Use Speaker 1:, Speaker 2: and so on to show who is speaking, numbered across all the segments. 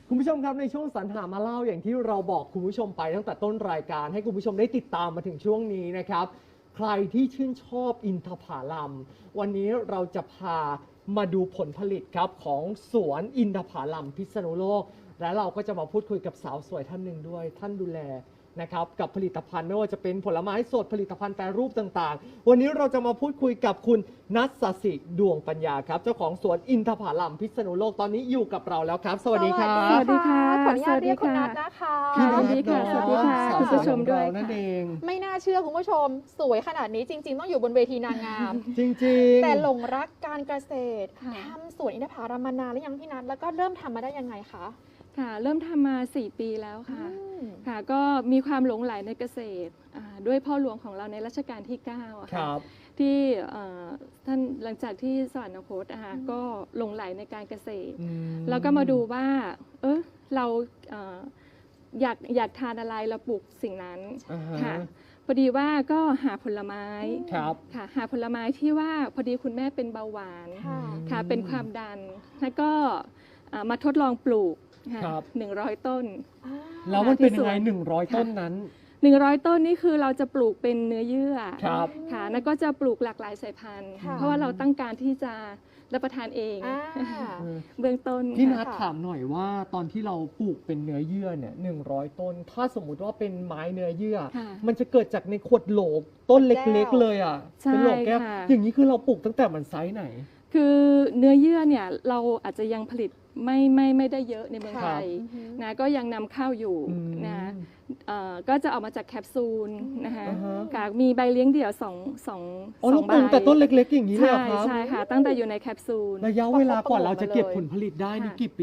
Speaker 1: คุณผู้ชมครับในช่วงสรรหามาเล่าอย่างที่เราบอกคุณผู้ชมไปตั้งแต่ต้นรายการให้คุณผู้ชมได้ติดตามมาถึงช่วงนี้นะครับใครที่ชื่นชอบอินทผลัมวันนี้เราจะพามาดูผลผลิตครับของสวนอินทผลัมพิษณุโลกและเราก็จะมาพูดคุยกับสาวสวยท่านหนึ่งด้วยท่านดูแลนะครับกับผลิตภัณฑ์ไม่ว่าจะเป็นผลไม้สดผลิตภัณฑ์แปรรูปต่างๆวันนี้เราจะมาพูดคุยกับคุณนัสสิดวงปัญญาครับเจ้าของสวนอินทผลัมพิษณุโลกตอนนี้อยู่กับเราแล้วครับสวัสดีครับ
Speaker 2: สวัสดีค่ะ
Speaker 3: ขออนุญาตเรียกคุณนัทนะคะ
Speaker 1: พี่
Speaker 2: สวัสดีค่ะ
Speaker 1: นัท
Speaker 2: สวัสดีค่ะ
Speaker 1: สาว
Speaker 2: คุณผู้ชมด้วย
Speaker 1: ของเรานั่นเอง
Speaker 3: ไม่น่าเชื่อคุณผู้ชม สวยขนาดนี้จริง ๆ ต้องอยู่บนเวทีนางงาม
Speaker 1: จริงๆ
Speaker 3: แต่หลงรักการเกษตร
Speaker 2: ค่ะ
Speaker 3: ทำสวนอินทผลัมมานานหรือยังพี่นัทแล้วก็เริ่มทำมาได้ยังไงคะ
Speaker 2: ค่ะเริ่มทำมา 4 ปีแล้วค่ะ
Speaker 3: อืม
Speaker 2: ค่ะ ก็มีความหลงใหลในเกษตรด้วยพ่อหลวงของเราในรัชกาลที่9อะ
Speaker 1: ค
Speaker 2: ค่ะ
Speaker 1: รับ
Speaker 2: ที่ท่านหลังจากที่สวรรคตก็หลงใหลในการเกษตร แล้วก็มาดูว่าเราอยากทานอะไรเราปลูกสิ่งนั้น
Speaker 1: อ่าฮะ
Speaker 2: ค่ะพอดีว่าก็หาผลไม้
Speaker 1: ครับ
Speaker 2: ค่ะหาผลไม้ที่ว่าพอดีคุณแม่เป็นเบาหวาน
Speaker 3: ค่ะ
Speaker 2: ค่ะเป็นความดัน แล้วก็มาทดลองปลูกค่ะ
Speaker 1: ครับ
Speaker 2: 100 ต้น
Speaker 1: แล้วมันเป็นยังไง
Speaker 2: ที่สวน
Speaker 1: 100 ต้นนั้น
Speaker 2: 100 ต้นนี่คือเราจะปลูกเป็นเนื้อเยื่อ
Speaker 1: ครับ
Speaker 2: ค่ะแล้วก็จะปลูกหลากหลายสายพันธุ์
Speaker 3: ค่ะ
Speaker 2: เพราะว่าเราตั้งการที่จะรับประทานเอง
Speaker 3: อ่า
Speaker 2: เบื้องต้น
Speaker 1: พี่
Speaker 2: ค่ะ
Speaker 1: นัทถามหน่อยว่าตอนที่เราปลูกเป็นเนื้อเยื่อเนี่ย100 ต้น ถ้าสมมุติว่าเป็นไม้เนื้อเยื่อ
Speaker 2: ค่ะ
Speaker 1: มันจะเกิดจากในขวดโหลต้นเล็กๆเลยอ่ะ
Speaker 2: ใช่
Speaker 1: เป็นโหลแก้ว
Speaker 2: ค่ะ
Speaker 1: อย่างนี้คือเราปลูกตั้งแต่มันไซส์ไหน
Speaker 2: คือเนื้อเยื่อเนี่ยเราอาจจะยังผลิตไม่ได้เยอะในเมือง
Speaker 1: ค
Speaker 2: ไท
Speaker 1: รับ
Speaker 2: ย
Speaker 3: อือฮึ
Speaker 2: นะก็ยังนำเข้าอยู่
Speaker 1: อืม
Speaker 2: นะก็จะออกมาจากแคปซูลนะคะ
Speaker 1: อ่าฮะ
Speaker 2: ค่ะมีใบเลี้ยงเดี่ยวสอง
Speaker 1: อ๋อ
Speaker 2: ส
Speaker 1: เรา
Speaker 2: อง
Speaker 1: ป
Speaker 2: ใบ
Speaker 1: ลูกแต่ต้นเล็กๆ อย่างนี้เลยเหรอครับ
Speaker 2: ใช่ค่ะ ตั้งแต่อยู่ในแคปซูล
Speaker 1: ระยะเวลากว่าเราจะเก็บผลผลิตได้นี่
Speaker 2: ค่ะ
Speaker 1: กี่ปี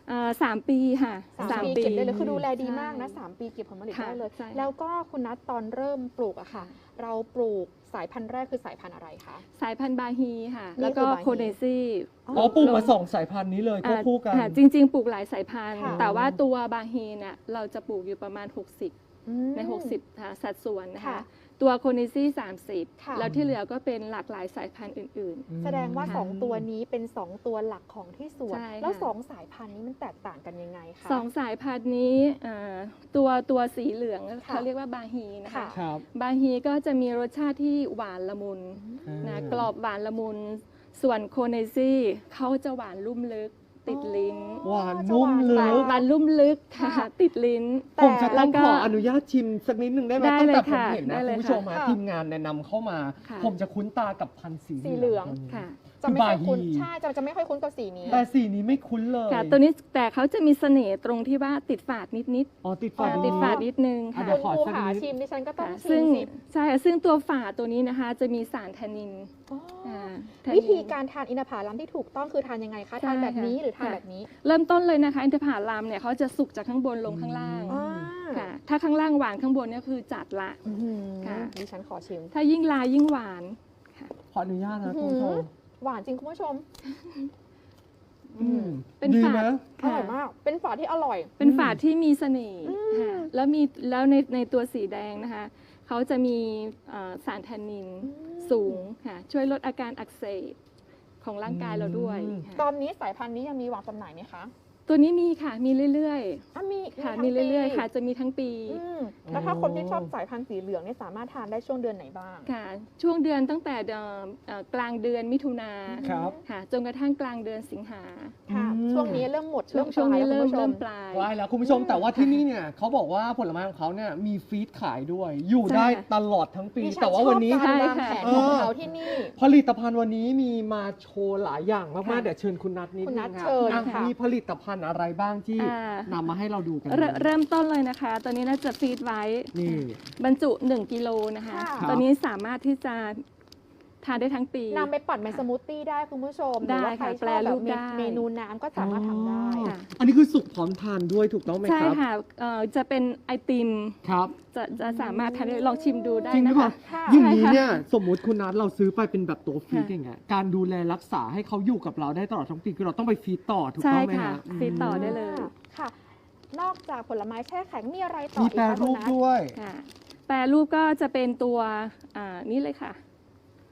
Speaker 2: 3 ปีค่ะ
Speaker 3: สามปีเก็บได้เลยคือดูแลดีมากนะ
Speaker 2: ใช่
Speaker 3: 3 ปีเก็บผลผลิต
Speaker 2: ค่ะ
Speaker 3: ได้เลย
Speaker 2: ใช่
Speaker 3: แล้วก็คุณนัทตอนเริ่มปลูกอะค่ะ เราปลูกสายพันธุ์แรกคือสายพันธุ์อะไรคะ
Speaker 2: สายพันธุ์บาฮีค่ะ
Speaker 3: นี่
Speaker 2: แล้วก็
Speaker 3: คือบาฮี
Speaker 2: โคเนซี่
Speaker 1: อ๋อปลูกมา2 สายพันธุ์นี้เลยควบคู่กัน
Speaker 2: จริง ๆ ปลูกหลายสายพันธุ์
Speaker 3: ค่ะ
Speaker 2: แต่ว่าตัวบาฮีเนี่ยเราจะปลูกอยู่ประมาณ 60
Speaker 3: อืม
Speaker 2: ใน 60ค่ะสัดส่วนนะคะ
Speaker 3: ค่ะ
Speaker 2: ตัวโคเนซี่
Speaker 3: ค่ะ
Speaker 2: 30 แล้วที่เหลือก็เป็นหลากหลายสายพันธุ์อื่น
Speaker 3: แสดงว่า
Speaker 2: ค่ะ
Speaker 3: 2 ตัวนี้เป็น 2 ตัวหลักของที่สวน
Speaker 2: ใช่ค่ะ
Speaker 3: แล้ว 2 สายพันธุ์นี้มันแตกต่างกันยังไงคะ
Speaker 2: ๆ 2 สายพันธุ์นี้ตัวสีเหลือง
Speaker 3: ค่ะ
Speaker 2: เขาเรียกว่าบาฮีนะคะ
Speaker 3: ค่ะ
Speaker 1: ครับ
Speaker 2: บาฮีก็จะมีรสชาติที่หวานละมุนนะกรอบหวานละมุน ส่วนโคเนซี่เขาจะหวานลุ่มลึกติดลิ้น
Speaker 1: หวานนุ่มลึก
Speaker 2: หวานลุ่มลึกค่ะ
Speaker 3: ค่ะ
Speaker 2: ติดลิ้น
Speaker 1: ผมจะต้อง
Speaker 2: แล้วก็
Speaker 1: ขออนุญาตชิมสักนิดหนึ่งได้ไหม
Speaker 2: ได้
Speaker 1: ตั้ง
Speaker 2: เลย
Speaker 1: แต่ผม
Speaker 2: ค่ะ
Speaker 1: เห็น
Speaker 2: ได้
Speaker 1: นะ
Speaker 2: เล
Speaker 1: คุณ
Speaker 2: ย
Speaker 1: ผู้ชม
Speaker 2: ค่ะ
Speaker 1: ทีมงานแนะนำเข้ามา
Speaker 2: ค่ะ
Speaker 1: ผมจะคุ้นตากับพันธุ์สี
Speaker 3: สีเหลือง
Speaker 2: ค่ะ
Speaker 3: จะไม่ค่อยคุ้น
Speaker 1: บาฮี
Speaker 3: ใช่จะไม่ค่อยคุ้นกับสีนี้
Speaker 1: แต่สีนี้ไม่คุ้นเลย
Speaker 2: ค่ะตัวนี้แต่เขาจะมีเสน่ห์ตรงที่ว่าติดฝาดนิด
Speaker 1: อ๋อติด
Speaker 2: ๆ
Speaker 1: ฝาด
Speaker 2: ติดฝาดนิดนึง
Speaker 1: อ่ะ
Speaker 2: ค่ะ
Speaker 1: เดี๋ยวขอ
Speaker 3: คุณ
Speaker 1: สัก
Speaker 3: หา
Speaker 1: นิด
Speaker 3: ชิมดิฉันก็ต้อง
Speaker 2: ค่ะ
Speaker 3: ชิ
Speaker 2: ซึ่
Speaker 3: ม
Speaker 2: ง
Speaker 3: สิ
Speaker 2: ใช่ค่ะซึ่งตัวฝาตัวนี้นะคะจะมีสารแทนนิน
Speaker 3: อ๋ออ
Speaker 2: แทนนิน
Speaker 3: วิธีการทานอินทผลัมที่ถูกต้องคือทานยังไงคะ
Speaker 2: ใช่
Speaker 3: ทานแบบนี้
Speaker 2: ค่ะ
Speaker 3: หรือทาน
Speaker 2: ค่ะ
Speaker 3: แบบนี้
Speaker 2: เริ่มต้นเลยนะคะอินทผลัมเนี่ยเขาจะสุกจากข้างบนลงข้างล่าง
Speaker 3: อ่า
Speaker 2: ค่ะถ้าข้างล่างหวานข้างบนเนี่ยคือจัดละ
Speaker 3: อื้อหือ
Speaker 2: ค่ะ
Speaker 3: ดิฉันขอชิม
Speaker 2: ถ้ายิ่งลายยิ่งหวานค่ะ
Speaker 1: ขออนุญาตนะคุณผู้ชม
Speaker 3: หวานจริงคุณผู้ชม
Speaker 1: อืม
Speaker 2: เป็น
Speaker 1: ดี
Speaker 2: ฝาด
Speaker 1: นะ
Speaker 3: อร่อยมาก เป็นฝาที่อร่อย
Speaker 2: เป็นฝาดที่มีเสน่ห์
Speaker 3: อืม
Speaker 2: ค่ะแล้วในตัวสีแดงนะคะเขาจะมีสารแทนนินสูงค่ะช่วยลดอาการอักเสบของร่างกายเราด้วย
Speaker 1: อืม
Speaker 2: ค่ะ
Speaker 3: ตอนนี้สายพันธุ์นี้ยังมีวางจำหน่ายไหมคะ
Speaker 2: ตัวนี้มีค่ะมีเรื่อย
Speaker 3: อ่ะมี
Speaker 2: ๆค่ะ
Speaker 3: ทั้ง
Speaker 2: มีเรื่อย
Speaker 3: ปี
Speaker 2: ๆค่ะจะมีทั้งปี
Speaker 3: อืมแล้วถ้าคนที่ชอบสายพันธุ์สีเหลืองเนี่ยสามารถทานได้ช่วงเดือนไหนบ้าง
Speaker 2: ค่ะช่วงเดือนตั้งแต่กลางเดือนมิถุนา
Speaker 1: ครับ
Speaker 2: ค่ะจนกระทั่งกลางเดือนสิงหา
Speaker 3: ค่ะ
Speaker 1: อืม
Speaker 3: ช่วงนี้เริ่มหมด
Speaker 2: ช่วงนี้
Speaker 3: ปลาย
Speaker 2: เริ่
Speaker 3: แล้ว
Speaker 2: ม
Speaker 3: คุณผู้ช
Speaker 2: เริ่มปลาย
Speaker 1: ว้ายแล้วคุณผู้ชมแต่ว่าที่นี่เนี่ยเขาบอกว่าผลไม้ของเขาเนี่ยมีฟีดขายด้วย อยู่
Speaker 2: ใช่
Speaker 1: ได้
Speaker 2: ค่ะ
Speaker 1: ตลอดทั้งปี
Speaker 3: ดิฉั
Speaker 1: แต่ว่าวันนี้
Speaker 3: ชอบการวาง
Speaker 2: ใช่
Speaker 3: แผ
Speaker 2: ค่ะ
Speaker 3: นของเขาที่นี่
Speaker 1: ผลิตภัณฑ์วันนี้มีมาโชว์หลายอย่างมาก
Speaker 2: ค่ะ
Speaker 1: ๆเดี๋ยวเชิญคุณนัทนิด
Speaker 3: คุณ
Speaker 1: นึ
Speaker 3: นั
Speaker 1: ง
Speaker 3: ท
Speaker 1: ครับ
Speaker 3: เชิญ
Speaker 1: อ่ะ
Speaker 3: ค่ะ
Speaker 1: มีผลิตภัณฑ์อะไรบ้างที่
Speaker 2: อ่า
Speaker 1: นำมาให้เราดูกัน
Speaker 2: เริ่มต้นเลยนะคะ ตอนนี้น่าจะฟีดไว้
Speaker 1: นี่
Speaker 2: บรรจุ 1 กิโลนะคะ
Speaker 3: ค่ะ
Speaker 2: ตอนนี้สามารถที่จะทานได้ทั้งปี
Speaker 3: นำไปปั่นเป็นสมูทตี้ได้คุณผู้ชมห
Speaker 2: ได้
Speaker 3: รือว่าใคร
Speaker 2: ค่ะ
Speaker 3: ช
Speaker 2: แปร
Speaker 3: อบ
Speaker 2: รู
Speaker 3: แบบ
Speaker 2: ปได้
Speaker 3: เมนูน้ำก็สามารถทำได้
Speaker 1: อ๋อ
Speaker 2: ค่ะ
Speaker 1: อันนี้คือสุกพร้อมทานด้วยถูกต้องไหม
Speaker 2: ใช่
Speaker 1: ครับ
Speaker 2: ค่ะจะเป็นไอติม
Speaker 1: ครับ
Speaker 2: จะสามารถทานได้ลองชิมดูได้
Speaker 1: จริงหรื
Speaker 2: นะ
Speaker 1: อเปล่า
Speaker 2: คะ
Speaker 3: ค่ะ
Speaker 1: อย่างนี้
Speaker 2: ใช่ค่ะ
Speaker 1: เนี่ยสมมุติคุณนัทเราซื้อไปเป็นแบบตัวฟีด
Speaker 2: ค่ะ
Speaker 1: อย่างเงี้ยการดูแลรักษาให้เขาอยู่กับเราได้ตลอดทั้งปีคือเราต้องไปฟีดต่อถูก
Speaker 2: ใช่
Speaker 1: ต้องไหม
Speaker 2: ค่ะ
Speaker 1: ฮะ
Speaker 2: ฟีดต่อได้เลย
Speaker 3: ค่ะ นอกจากผลไม้แช่แข็งมีอะไรต่อ
Speaker 1: มี
Speaker 3: อีก
Speaker 1: แปร
Speaker 3: คะคุ
Speaker 1: รู
Speaker 3: ณ
Speaker 1: ป
Speaker 3: นัท
Speaker 1: ด้วย
Speaker 2: ค่ะแปรรูปก็จะเป็นตัวนี้เลยค่ะ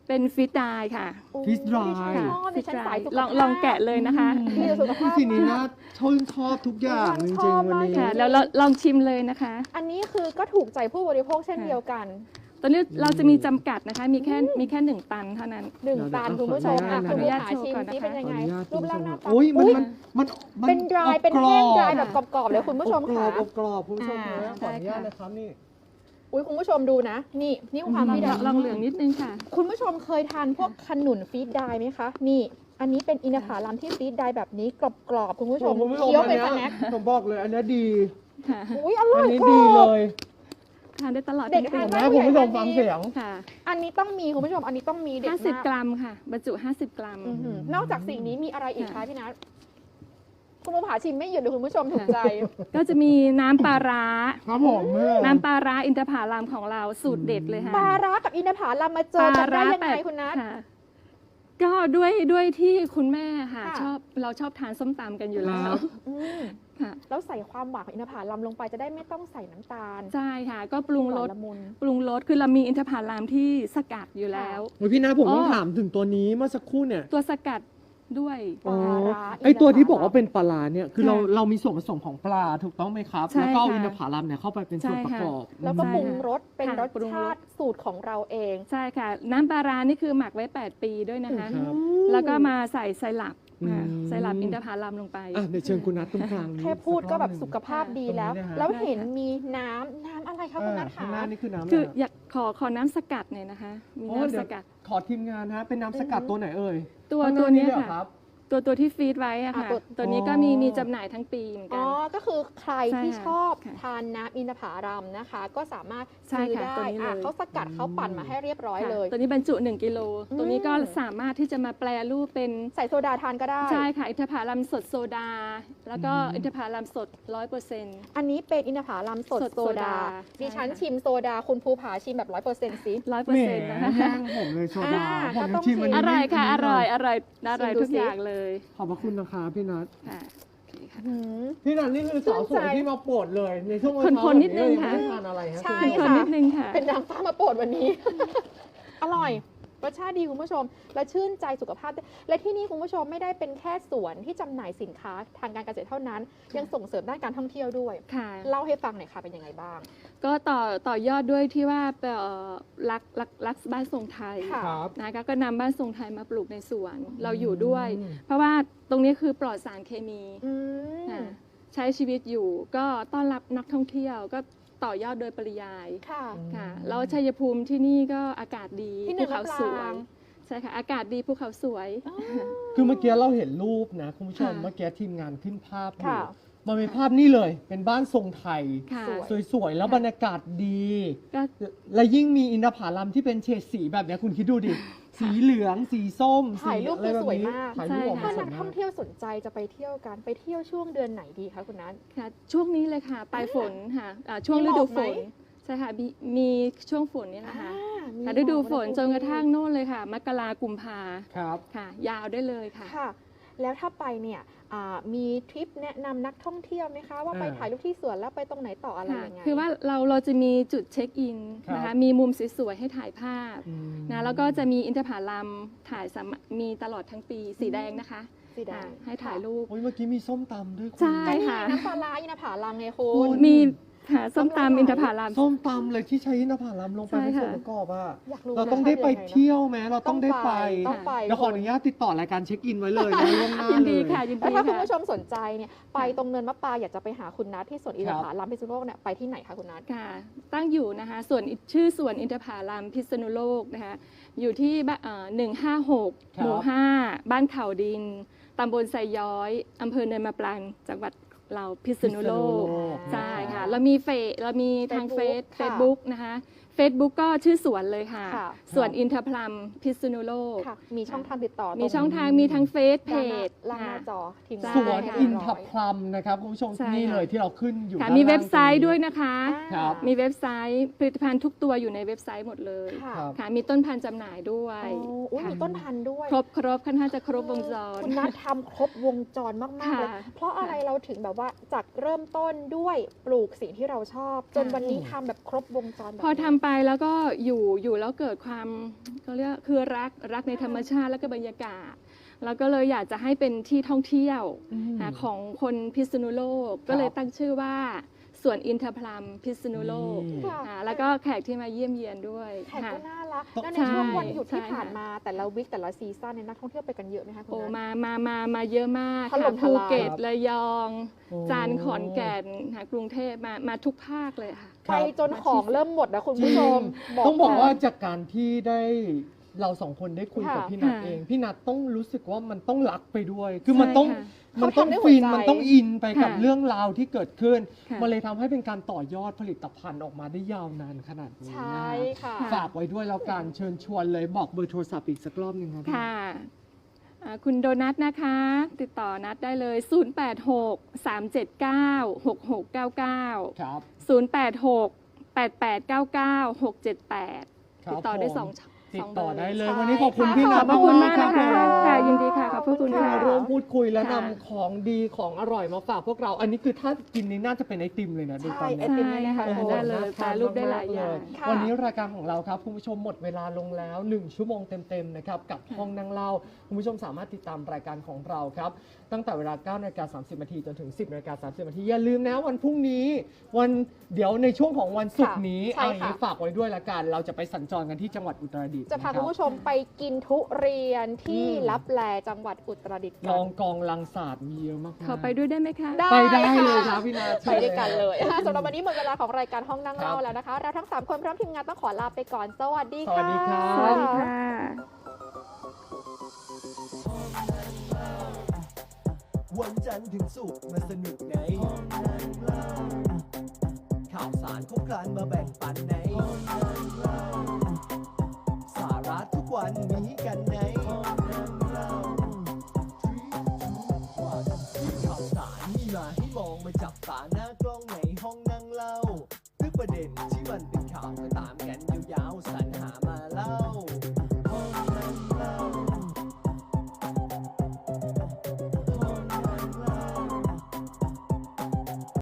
Speaker 2: เป็นฟิตไดค่ะ
Speaker 3: โอ้
Speaker 1: Fish dry
Speaker 3: ดิฉันชอบดิฉันสายสุขภาพ
Speaker 2: ลองแกะเลยนะคะ
Speaker 3: ดีต่อสุขภาพ
Speaker 1: ทีนี้
Speaker 3: มา
Speaker 1: น่าก ชอบทุกอย่างจ
Speaker 3: ช
Speaker 1: ริง
Speaker 3: อบ
Speaker 1: ๆวัน
Speaker 3: มาก
Speaker 1: นี้
Speaker 2: ค่ะแล้วเราลองชิมเลยนะคะ
Speaker 3: อันนี้คือก็ถูกใจผู้บริโภคเช่นเดียวกัน
Speaker 2: ตอนนี้เราจะมีจำกัดนะคะ มีแค่1 ตันเท่านั้น
Speaker 3: 1 ตันคุณผู้ชม
Speaker 1: ขออนุญาต
Speaker 3: คุณผู้ชมชิม
Speaker 2: ขออนุญาต
Speaker 3: ซิเป็นยังไง
Speaker 1: ขออนุญาต
Speaker 3: รูปร่างหน้าตา
Speaker 1: โอ้ยมัน
Speaker 3: อุ๊ย
Speaker 1: มัน
Speaker 3: เป็นดรายเป็นแห้งดรายแบบ
Speaker 1: ก
Speaker 3: กรอบๆเลยคุณผู้ชม
Speaker 1: รอ
Speaker 3: ค่ะ
Speaker 1: บกรอบคุณผู้ชม
Speaker 3: อ่า
Speaker 1: นะขออนุญาตนะครับนี่
Speaker 3: อุ้ยคุณผู้ชมดูนะ นี่ความพี่ดา
Speaker 2: ลองเหลืองนิดนึงค่ะ
Speaker 3: คุณผู้ชมเคยทานพวกขนุนฟีดไดร์ไหมคะ นี่ อันนี้เป็นอินทผลัมที่ฟีดไดร์แบบนี้กรอบๆคุณผู้ชม
Speaker 1: คุณผู้ชม
Speaker 3: เคี้ยว
Speaker 1: อัน
Speaker 3: เป็น
Speaker 1: เนี้
Speaker 3: ส
Speaker 1: ย
Speaker 3: แน็ค
Speaker 1: ผมบอกเลยอันเนี้ยดี
Speaker 2: ค่ะ
Speaker 3: อุ้ยอร่
Speaker 1: อั
Speaker 3: อน ย
Speaker 1: นี้
Speaker 3: กร
Speaker 1: ดี
Speaker 3: อ
Speaker 1: เล
Speaker 3: บ
Speaker 1: ย
Speaker 2: ทานได้ตลอด
Speaker 3: เด็ก
Speaker 2: ทั้งปี
Speaker 3: ทานได้
Speaker 1: นะคุณผู้ชมฟังเสียง
Speaker 2: ค่ะ
Speaker 3: อันนี้ต้องมีคุณผู้ชม อันนี้ต้องมีเด็ดมาก
Speaker 2: 50 กรัมค่ะ บรรจุ 50 กรัม
Speaker 3: อื้อหือนอกจากสิ่งนี้มีอะไรอีกคะ
Speaker 2: ค่ะ
Speaker 3: พี่นัทคุณผู้ผาชิมไม่หยุดเลยคุณผู้ชมถูกใจ
Speaker 2: ก็จะมีน้ำปลาร้า
Speaker 1: ครับผมแม่
Speaker 2: น้ำปลาร้าอินทผลัมของเราสูตรเด็ดเลยค่ะ
Speaker 3: ปลาร้ากับอินทผลัมมาเจอกันได้ยังไงคุณนัท
Speaker 2: ค่ะก็ด้วยที่คุณแม่ค่ะ
Speaker 3: ค่ะ
Speaker 2: เราชอบทานส้มตำกันอยู่แล้
Speaker 1: คว รับ
Speaker 3: อืม
Speaker 2: ค่ะ
Speaker 3: แล้วใส่ความหวานของอินทผลัมลงไปจะได้ไม่ต้องใส่น้ำตาล
Speaker 2: ใช่ค่ะ ก็ปรุงรส
Speaker 3: หวานละมุน
Speaker 2: คือเรามีอินทผลัมที่สกัดอยู่แล้ว
Speaker 1: โอ้ยพี่นาผมต้อง
Speaker 2: อ๋อ
Speaker 1: ถามถึงตัวนี้เมื่อสักครู่เนี่ย
Speaker 2: ตัวสกัดด้วย
Speaker 3: ปลาร้า
Speaker 1: ไอตัวที่
Speaker 3: อินทผลัม
Speaker 1: บอกว่าเป็นปลาร้าเนี่ยคือ
Speaker 2: ค่ะ
Speaker 1: เรามีส่วนผสมของปลาถูกต้องไหมครับ
Speaker 2: ใช่
Speaker 1: แล้วก็เอา
Speaker 2: ค่ะ
Speaker 1: อินทผลัมเนี่ยเข้าไปเป็นส่วน
Speaker 2: ใช่
Speaker 1: ประ
Speaker 2: ค่ะ
Speaker 1: กอบ
Speaker 3: แล้วก็
Speaker 2: ใช่
Speaker 3: ปรุง
Speaker 2: ค่ะ
Speaker 3: รสเป็น
Speaker 2: ค่ะ
Speaker 3: รส
Speaker 2: ปรุงร
Speaker 3: ชา
Speaker 2: ส
Speaker 3: ติสูตรของเราเอง
Speaker 2: ใช่ค่ะ น้ำปลาร้านี่คือหมักไว้ 8 ปีด้วยนะคะ
Speaker 1: ครับ
Speaker 2: แล้วก็มาใส่ไซรัป
Speaker 1: อืม
Speaker 2: ค่ะไซรัปอินทผลัมลงไป
Speaker 1: อ่ะเดี๋ยวเชิญคุณนัทตรงกลางนี้
Speaker 3: แค่พูดก็แบบ
Speaker 1: สั
Speaker 3: สุ
Speaker 1: ร
Speaker 3: ข
Speaker 1: อบหนึ่ง
Speaker 3: ภาพดีแล้ว
Speaker 1: ตรงนี้นะฮะ
Speaker 3: แล้วเห็นมีน้ำอะไรคะคุณนัท
Speaker 1: ข้าง
Speaker 3: คะ
Speaker 1: หน้านี่คือน้ำอะไร
Speaker 2: คือ
Speaker 1: ฮะ
Speaker 2: อยากขอน้ำสกัดหน่อยนะคะ มี
Speaker 1: โอ้
Speaker 2: น้ำ
Speaker 1: เดี๋
Speaker 2: ส
Speaker 1: ยว
Speaker 2: กัด
Speaker 1: ขอทีมงานฮะเป็นน้ำสกัดตัวไหนเอ่ย
Speaker 2: ตัว
Speaker 1: ข้างหา
Speaker 2: เนี้ย
Speaker 1: เหรอ
Speaker 2: ค่ะ
Speaker 1: รับ
Speaker 2: ตัวที่ฟีดไว้อะค่ะ
Speaker 3: อ่ะตัว
Speaker 2: ตัวนี้ก็
Speaker 1: อ๋อ
Speaker 2: มีจำหน่ายทั้งปีเหมือน
Speaker 3: อ๋
Speaker 2: กั
Speaker 3: อน ก็คือใคร
Speaker 2: ใช่
Speaker 3: ที่
Speaker 2: ค่ะ
Speaker 3: ชอบ
Speaker 2: ค่ะ
Speaker 3: ทานน้ำอินทผลัมนะคะ ก็สามารถ
Speaker 2: ใช่
Speaker 3: ซื้อ
Speaker 2: ค่ะ
Speaker 3: ได้
Speaker 2: ตัวนี้เลย
Speaker 3: เขาสกัดเขาปั่นมาให้เรียบร้อย
Speaker 2: ค่ะ
Speaker 3: เลย
Speaker 2: ตัวนี้บรรจุ 1 กิโล
Speaker 3: อืม
Speaker 2: ตัวนี้ก็สามารถที่จะมาแปลรูปเป็น
Speaker 3: ใส่โซดาทานก็ได้
Speaker 2: ใช่ค่ะอินทผลัมสดโซดา แล้วก็
Speaker 1: อืม
Speaker 2: อินทผลัมสด 100%
Speaker 3: อันนี้เป็นอินทผลัมสด
Speaker 2: สด
Speaker 3: โซ
Speaker 2: โซ
Speaker 3: ดา
Speaker 2: ดา
Speaker 3: ดิฉัน
Speaker 2: ใช่ค่ะ
Speaker 3: ชิมโซดาคุณภูผาชิมแบบ100%สิ
Speaker 2: 100%
Speaker 1: แหม
Speaker 2: นะคะ
Speaker 1: แย่งผมเลยโซดา
Speaker 3: อ่า
Speaker 1: ผม
Speaker 3: ก็ต้อง
Speaker 1: ชิมอัน
Speaker 3: ชิม
Speaker 1: นี้
Speaker 2: อร่อยค่ะ
Speaker 1: ไม่
Speaker 2: อร่อย
Speaker 1: ไม่
Speaker 2: อร่อยอร่อย
Speaker 3: ชิมดู
Speaker 2: ทุก
Speaker 3: สิ
Speaker 2: อย่างเลย
Speaker 1: ขอบพระคุณนะคะพี่นัท
Speaker 2: ค่ะโอเคค่ะ
Speaker 3: หืม
Speaker 1: พี่นัทนี่คือสาวสวยที่มาโปรดเลยในช่วงวัน
Speaker 2: คนๆนิดนึงค่ะ
Speaker 1: ไม่ได้ทานอะไรฮะ
Speaker 3: ใช่
Speaker 1: คุณผู้ช
Speaker 2: คน
Speaker 1: ม
Speaker 2: นิดนึงค่ะ
Speaker 3: เป็นนางฟ้ามาโปรดวันนี้ อร่อย รสชาติดีคุณผู้ชม และชื่นใจสุขภาพด้วยและที่นี่คุณผู้ชมไม่ได้เป็นแค่สวนที่จำหน่ายสินค้าทางการเกษตรเท่านั้น ยังส่งเสริมด้านการท่องเที่ยวด้วย
Speaker 2: ค่ะ
Speaker 3: เล่าให้ฟังหน่อยค่ะเป็นยังไงบ้าง
Speaker 2: ก็ต่อยอดด้วยที่ว่ารักบ้านทรงไทย
Speaker 3: ค่ะ
Speaker 1: ครับ
Speaker 2: นะคะก็นำบ้านทรงไทยมาปลูกในสวน เราอยู่ด้วย
Speaker 1: อืม
Speaker 2: เพราะว่าตรงนี้คือปลอดสารเคมี
Speaker 3: อืม
Speaker 2: ค่ะใช้ชีวิตอยู่ก็ต้อนรับนักท่องเที่ยวก็ต่อยอดโดยปริยาย
Speaker 3: ค่ะ
Speaker 2: ค่ะแล้วชัยภูมิที่นี่ก็อากาศดี
Speaker 3: ที่หนึ่
Speaker 2: ภู
Speaker 3: ง
Speaker 2: เขา
Speaker 3: ลำปาง
Speaker 2: สวยใช่ค่ะอากาศดีภูเขาสวย
Speaker 1: คือเมื่อกี้เราเห็นรูปนะคุณผู้ชม
Speaker 2: ค่ะ
Speaker 1: เมื่อกี้ทีมงานขึ้นภาพอยู่
Speaker 3: ค่ะ
Speaker 1: มันเป็นภาพนี่เลยเป็นบ้านทรงไทย
Speaker 2: ค่ะ
Speaker 1: สวยๆ แล้วบรรยากาศดี
Speaker 2: ก็
Speaker 1: และยิ่งมีอินทผลัมที่เป็นเฉดสีแบบเนี้ยคุณคิดดูดิ สีเหลือง สีส้ม
Speaker 3: ถ่ายรูป
Speaker 1: สีะไแบบ
Speaker 3: คือสวย
Speaker 1: นี้
Speaker 3: มาก
Speaker 1: ถ่ายรูปออก
Speaker 3: ถ้า
Speaker 1: มาสว
Speaker 3: นั
Speaker 1: ย
Speaker 3: ก
Speaker 1: มา
Speaker 3: ท่อง
Speaker 1: ก
Speaker 3: เที่ยวสนใจจะไปเที่ยวกันไปเที่ยวช่วงเดือนไหนดีคะคุณนัท
Speaker 2: ค่ะช่วงนี้เลยค่ะปลายฝนค่ะช่วง
Speaker 3: มี
Speaker 2: ฤ
Speaker 3: หม
Speaker 2: ดู
Speaker 3: อก
Speaker 2: ฝ
Speaker 3: ไหม
Speaker 2: นใช่ค่ะมีช่วงฝนนี่แหละค่ะ
Speaker 3: มี
Speaker 2: ค่ะฤดูฝน
Speaker 3: หมอก
Speaker 2: จนกระทั่งโน่นเลยค่ะมกรากุมภา
Speaker 1: ครับ
Speaker 2: ค่ะ ยาวได้เลยค่ะ
Speaker 3: ค่ะ แล้วถ้าไปเนี่ยมีทริปแนะนำนักท่องเที่ยวไหมคะ ว่าไปถ่ายรูปที่สวนแล้วไปตรงไหนต่ออะไร
Speaker 2: ค่ะ
Speaker 3: ยังไง
Speaker 2: คือว่าเราจะมีจุดเช็คอินนะ
Speaker 1: ครั
Speaker 2: คะ
Speaker 1: บ
Speaker 2: มีมุมสวยๆให้ถ่ายภาพ
Speaker 1: อืม
Speaker 2: นะแล้วก็จะมีอินทผลัมถ่ายมีตลอดทั้งปีสีแดงนะคะ
Speaker 3: สีแดง
Speaker 2: ให้ถ่ายรูป
Speaker 1: โอ้ยเมื่อกี้มีส้มตำด้วยคุณ
Speaker 2: ใช่
Speaker 3: ใช่
Speaker 2: ค่ะ
Speaker 3: ค่ะน้ำปลาร้าอินทผลัมไงคุ
Speaker 1: คุ
Speaker 3: ณ
Speaker 1: ณ
Speaker 2: มีค่ะส้มตำอินทผลัม
Speaker 1: ส้มตำเลยที่ใช้อินทผลัมลงไป
Speaker 2: ใช่
Speaker 1: เป็นส่วน
Speaker 2: ค่ะ
Speaker 1: ประกอบอ่ะ
Speaker 3: อยากรู้
Speaker 1: เราต้องได้ไปเที่ยวไหมเราต้องได้ไป
Speaker 3: ต้องไป
Speaker 1: เดี๋ยวขออนุญาตติดต่อรายการเช็คอินไว้เลยนะล่วงหน้า
Speaker 2: ยิน
Speaker 1: เล
Speaker 2: ดี
Speaker 1: ย
Speaker 2: ค่ะยิน
Speaker 3: แล้ว
Speaker 2: ดี
Speaker 3: ถ้าคุณ
Speaker 2: ค่ะ
Speaker 3: ผู้ชมสนใจเนี่ยไปตรงเนินมะปรางอยากจะไปหาคุณนัทที่สวนอินทผลัมพิษณุโลกเนี่ยไปที่ไหนคะคุณนัท
Speaker 2: ค่ะตั้งอยู่นะคะชื่อสวนอินทผลัมพิษณุโลกนะคะอยู่ที่156 หมู่ 5 บ้านเขาดินตำบลไซย้อยอำเภอเนินมะปรางจังหวัดเราพิษณุโลก ใช่ค่ะเรามีทาง
Speaker 3: Facebook ค่ะ
Speaker 2: Facebook นะคะ Facebook ก็ชื่อสวนเลยค่ะ
Speaker 3: ค่ะ
Speaker 2: สวนอินทผลัมพิษณุโลก
Speaker 3: ค่ะ มีช่องทางติดต่อ
Speaker 2: มีช่องทางมีทั้งเฟซเพ
Speaker 3: ด้านหน้า
Speaker 2: จ
Speaker 3: ล่างหน้าจอทีมงาน
Speaker 1: สวน
Speaker 3: ให้
Speaker 1: อิน
Speaker 3: เรียบ
Speaker 1: ท
Speaker 3: ร้อย
Speaker 1: ผลัมนะครับคุณผู้ชม
Speaker 2: ใช่
Speaker 1: นี่
Speaker 2: ค่ะ
Speaker 1: เลยที่เราขึ้นอยู่
Speaker 2: ค่ะ
Speaker 1: ด้าน
Speaker 2: มี
Speaker 1: ล่าง
Speaker 2: เว็บไซต์
Speaker 1: ตรงนี้
Speaker 2: ด้วยนะคะ
Speaker 1: ครับ
Speaker 2: มีเว็บไซต์ผลิตภัณฑ์ทุกตัวอยู่ในเว็บไซต์หมดเลย
Speaker 3: ค่ะ
Speaker 1: ครับ
Speaker 2: ค่ะมีต้นพันธุ์จำหน่ายด้วย
Speaker 3: อุ๊ย
Speaker 2: ค่ะ
Speaker 3: มีต้นพันธุ์ด้วย
Speaker 2: ครบค่อนข้างจะครบวงจร
Speaker 3: คุณนัททำครบวงจรมากๆเลย
Speaker 2: ค่ะ
Speaker 3: เพราะอะไรเราถึงแบบว่าว่าจากเริ่มต้นด้วยปลูกสิ่งที่เราชอบ จนวันนี้ทำแบบครบวงจรแบบ
Speaker 2: พอ
Speaker 3: นี้
Speaker 2: ทำไปแล้วก็อยู่แล้วเกิดความเขาเรียกคือรักในธรรมชาติแล้วก็บรรยากาศ แล้วก็เลยอยากจะให้เป็นที่ท่องเที่ยวของคนพิษณุโลก ก็เลยตั้งชื่อว่าสวนอินทผลัมพิษณุโลก
Speaker 3: ค่ะ
Speaker 2: แล้วก็แขกที่มาเยี่ยมเยียนด้วย
Speaker 3: แขกก็
Speaker 2: ค่ะ
Speaker 3: น่ารัก
Speaker 1: ต้อง
Speaker 3: แล้วในช่วงวันหยุดที่
Speaker 2: ใช่
Speaker 3: ผ่านมาแต่ละวิคแต่ละซีซั่นเนี่ยนักท่องเที่ยวไปกันเยอะไหมคะคุณ
Speaker 2: โอ้
Speaker 3: นัท
Speaker 2: มาเยอะมาก
Speaker 3: ถล่
Speaker 2: ค่ะ
Speaker 3: มท
Speaker 2: ภู
Speaker 3: ลาย
Speaker 2: เก็ต
Speaker 1: ครับ
Speaker 2: ระยอง
Speaker 1: โอ้
Speaker 2: จันทร์ขอนแก่นกรุงเทพมาทุกภาคเลยค่ะ
Speaker 1: ครั
Speaker 3: ไป
Speaker 1: บ
Speaker 3: จนของเริ่มหมดนะคุณผู้ชม
Speaker 1: ต้องบอก
Speaker 3: ค่ะ
Speaker 1: ว่าจากการที่ได้เราสองคนได้คุยกับ
Speaker 3: ค่ะ
Speaker 1: พี่นัท
Speaker 2: ค่ะ
Speaker 1: เอง พี่นัทต้องรู้สึกว่ามันต้องรักไปด้วย คือมันต้อง
Speaker 2: ใช่ค่ะ
Speaker 1: มันต้อง
Speaker 3: เขาทำด้วย
Speaker 1: ฟิน
Speaker 3: หัวใจ
Speaker 1: มันต้องอินไปกับ
Speaker 2: ค่ะ
Speaker 1: เรื่องราวที่เกิดขึ้น
Speaker 2: ค่ะ
Speaker 1: มันเลยทำให้เป็นการต่อยอดผลิตภัณฑ์ออกมาได้ยาวนานขนาดนี้
Speaker 3: ใช่
Speaker 1: นะ
Speaker 3: ค่ะ
Speaker 1: ฝากไว้ด้วยแล้วการเชิญชวนเลยบอกเบอร์โทรศัพท์อีกสักรอบหนึ่งครับ
Speaker 2: ค่ะคุณโดนัทนะคะ ติดต่อนัดได้เลย 086 379 6699
Speaker 1: ครับ
Speaker 2: 086 8899 678
Speaker 1: ครับ
Speaker 2: ติดต่อได้
Speaker 1: ผม
Speaker 2: สอง
Speaker 1: ติดต่อได้เลย
Speaker 3: ใช่
Speaker 1: วันนี้ขอบคุณ
Speaker 3: ค่ะ
Speaker 1: พี่นัท
Speaker 2: ขอบพระคุณมาก
Speaker 1: รั
Speaker 2: นะคะ
Speaker 1: ผม
Speaker 2: ค่ะยินดีค่ะขอบพระคุณ
Speaker 1: ที่
Speaker 2: ค่ะ
Speaker 1: มาร่วมพูดคุยและ
Speaker 2: ค่ะ
Speaker 1: นำของดีของอร่อยมาฝากพวกเรา อันนี้คือถ้ากินนี้น่าจะเป็นไอติมเลยนะดูตอน
Speaker 3: ใช่ไอ
Speaker 1: นี้
Speaker 3: ติม
Speaker 2: ใช่
Speaker 3: เนี่ย
Speaker 2: ค่ะ
Speaker 3: โอ้โห
Speaker 2: ได้เลย
Speaker 1: น่
Speaker 2: แปรรูปได้หลายอย่าง
Speaker 3: ค่ะ
Speaker 1: วันนี้รายการของเราครับคุณผู้ชมหมดเวลาลงแล้ว 1 ชั่วโมงเต็มๆนะครับกับห้องนั่งเล่าคุณผู้ชมสามารถติดตามรายการของเราครับตั้งแต่เวลา 9:30 นจนถึง 10:30 นอย่าลืมนะวันพรุ่งนี้เดี๋ยวในช่วงของวันศุกร์นี้
Speaker 3: ใช่
Speaker 1: เอาอย่างนี้
Speaker 3: ค่ะ
Speaker 1: ฝากไว้ด้วยละกันเราจะไปสัญจรกันที่จังหวัดอุตรดิตถ์
Speaker 3: จะพา
Speaker 1: นะค
Speaker 3: คุ
Speaker 1: รั
Speaker 3: ณ
Speaker 1: บ
Speaker 3: ผู้ชมไปกินทุเรียนที่
Speaker 1: อืม
Speaker 3: ลับแลจังหวัดอุตรดิตถ์
Speaker 1: ล
Speaker 3: กั
Speaker 1: อน งกองลังศาสตร์มีเยอะมากๆ
Speaker 2: ขอไปด้วยได้ไหมคะ
Speaker 3: ได้
Speaker 1: ไปได้
Speaker 3: ค่ะ
Speaker 1: เลยครับพี่นา
Speaker 3: ไปด้วยกันเลยสำหรับวันนี้หมดเวลาของรายการห้องนั่งเล่า
Speaker 1: ครับ
Speaker 3: แล้วนะคะ เราทั้ง 3 คนพร้อมทีมงานต้องขอลาไปก่อน สวัสดี
Speaker 1: สวั
Speaker 3: ค่ะ
Speaker 1: สดีครับ
Speaker 2: สวัสดีค่ะ
Speaker 4: วันจันทร์ถึงศุกร์มาสนุกในห้องนั่งเล่าข่าวสารครบครันมาแบ่งปันในห้องนั่งเล่าสาระทุกวันมีกันในห้องนั่งเล่ามีข่าวสารมีมาให้มองมาจับตาหน้ากล้องในห้องนั่งเล่าทุกประเด็น